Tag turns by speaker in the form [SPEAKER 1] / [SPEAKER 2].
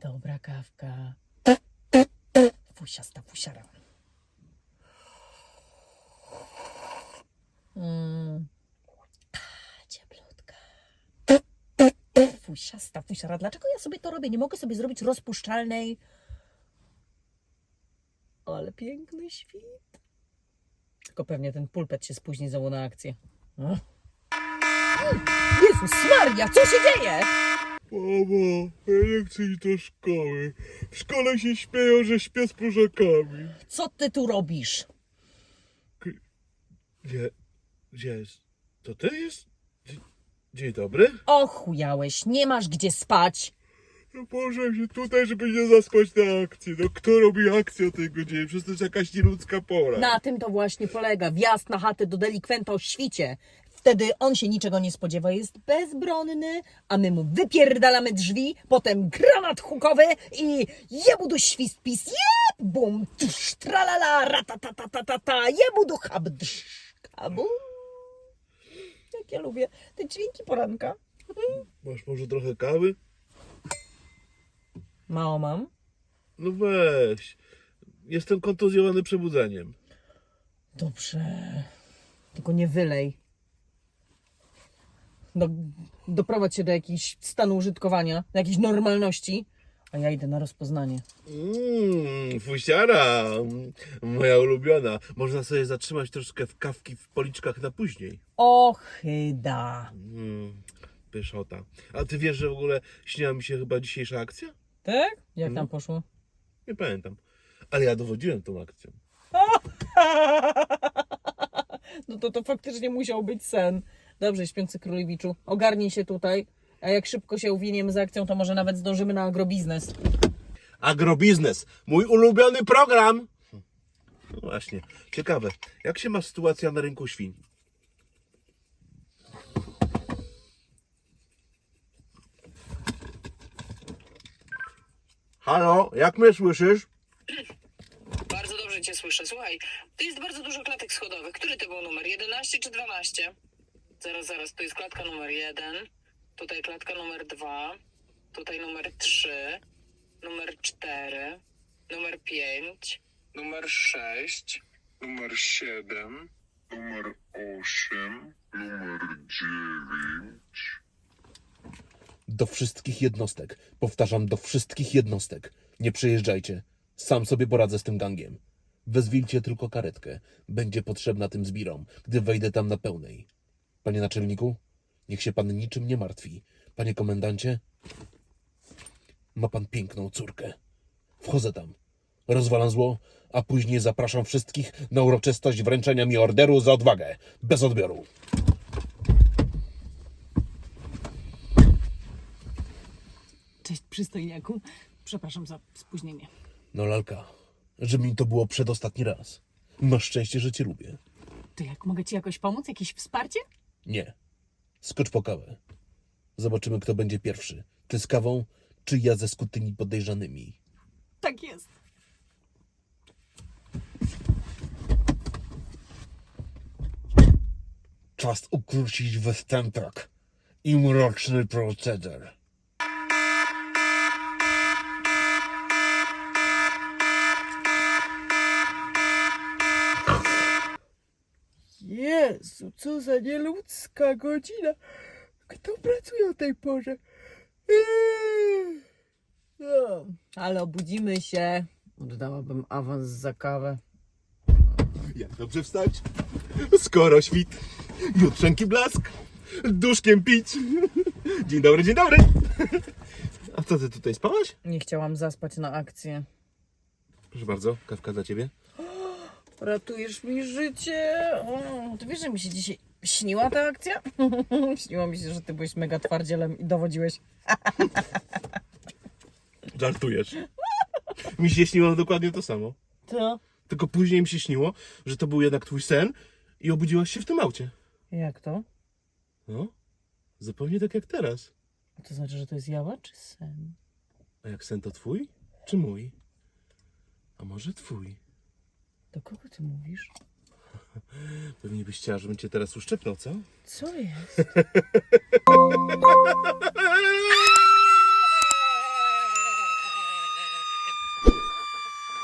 [SPEAKER 1] Dobra kawka. Fusiasta fusiara. Cieplutka. Fusiasta fusiara. Dlaczego ja sobie to robię? Nie mogę sobie zrobić rozpuszczalnej. Ale piękny świt. Tylko pewnie ten pulpet się spóźni znowu na akcję. Jezus Maria, co się dzieje?
[SPEAKER 2] Mamo, ja nie chcę iść do szkoły. W szkole się śmieją, że śpię z próżakami.
[SPEAKER 1] Co ty tu robisz?
[SPEAKER 2] Gdzie jest? To ty jest? Dzień dobry.
[SPEAKER 1] Ochujałeś, nie masz gdzie spać.
[SPEAKER 2] No położyłem się tutaj, żeby nie zaspać na akcji. No kto robi akcję o tej godzinie? Przecież to jest jakaś nieludzka pora.
[SPEAKER 1] Na tym to właśnie polega. Wjazd na chatę do delikwenta o świcie. Wtedy on się niczego nie spodziewa, jest bezbronny, a my mu wypierdalamy drzwi, potem granat hukowy i jebudu świst pis, jeb, bum, tsz, tralala, ratatatatata, jebudu habdsz, kabum. Jak ja lubię te dźwięki poranka.
[SPEAKER 2] Masz może trochę kawy?
[SPEAKER 1] Mało mam.
[SPEAKER 2] No weź. Jestem kontuzjowany przebudzeniem.
[SPEAKER 1] Dobrze, tylko nie wylej. Doprowadź się do jakiegoś stanu użytkowania, do jakiejś normalności, a ja idę na rozpoznanie.
[SPEAKER 2] Fusiara, moja ulubiona. Można sobie zatrzymać troszkę w kawki w policzkach na później.
[SPEAKER 1] Ochyda.
[SPEAKER 2] Pyszota. A ty wiesz, że w ogóle śniła mi się chyba dzisiejsza akcja?
[SPEAKER 1] Tak? Jak tam poszło?
[SPEAKER 2] Nie pamiętam. Ale ja dowodziłem tą akcją.
[SPEAKER 1] No to faktycznie musiał być sen. Dobrze, śpiący królewiczu, ogarnij się tutaj, a jak szybko się uwiniemy z akcją, to może nawet zdążymy na agrobiznes.
[SPEAKER 2] Agrobiznes. Mój ulubiony program. No właśnie. Ciekawe. Jak się ma sytuacja na rynku świń? Halo, jak mnie słyszysz?
[SPEAKER 3] Bardzo dobrze cię słyszę. Słuchaj, tu jest bardzo dużo klatek schodowych. Który to był numer? 11 czy 12? Zaraz. Tu jest klatka numer 1. Tutaj klatka numer 2. Tutaj numer 3. Numer 4. Numer 5.
[SPEAKER 4] Numer 6, numer 7, numer 8, numer 9.
[SPEAKER 2] Do wszystkich jednostek. Powtarzam, do wszystkich jednostek. Nie przyjeżdżajcie. Sam sobie poradzę z tym gangiem. Wezwijcie tylko karetkę. Będzie potrzebna tym zbirom, gdy wejdę tam na pełnej. Panie naczelniku, niech się pan niczym nie martwi. Panie komendancie, ma pan piękną córkę. Wchodzę tam, rozwalam zło, a później zapraszam wszystkich na uroczystość wręczenia mi orderu za odwagę. Bez odbioru.
[SPEAKER 1] Cześć, przystojniaku. Przepraszam za spóźnienie.
[SPEAKER 2] No lalka, żeby mi to było przedostatni raz. Masz szczęście, że cię lubię.
[SPEAKER 1] To jak, mogę ci jakoś pomóc? Jakieś wsparcie?
[SPEAKER 2] Nie. Skocz po kawę. Zobaczymy, kto będzie pierwszy. Ty z kawą, czy ja ze skutymi podejrzanymi.
[SPEAKER 1] Tak jest.
[SPEAKER 2] Czas ukrócić występek i mroczny proceder.
[SPEAKER 1] Jezu, co za nieludzka godzina. Kto pracuje o tej porze? No, ale obudzimy się. Oddałabym awans za kawę.
[SPEAKER 2] Jak dobrze wstać? Skoro świt, jutrzenki blask, duszkiem pić. Dzień dobry, dzień dobry. A co ty tutaj spałaś?
[SPEAKER 1] Nie chciałam zaspać na akcję.
[SPEAKER 2] Proszę bardzo, kawka dla ciebie.
[SPEAKER 1] Ratujesz mi życie. O, ty wiesz, że mi się dzisiaj śniła ta akcja? Śniło mi się, że ty byłeś mega twardzielem i dowodziłeś.
[SPEAKER 2] Żartujesz. Mi się śniło dokładnie to samo.
[SPEAKER 1] To?
[SPEAKER 2] Tylko później mi się śniło, że to był jednak twój sen i obudziłaś się w tym aucie.
[SPEAKER 1] Jak to?
[SPEAKER 2] No, zupełnie tak jak teraz.
[SPEAKER 1] A to znaczy, że to jest jawa czy sen?
[SPEAKER 2] A jak sen to twój, czy mój? A może twój?
[SPEAKER 1] Do kogo ty mówisz?
[SPEAKER 2] Pewnie byś chciała, żebym cię teraz uszczepnął, co?
[SPEAKER 1] Co jest?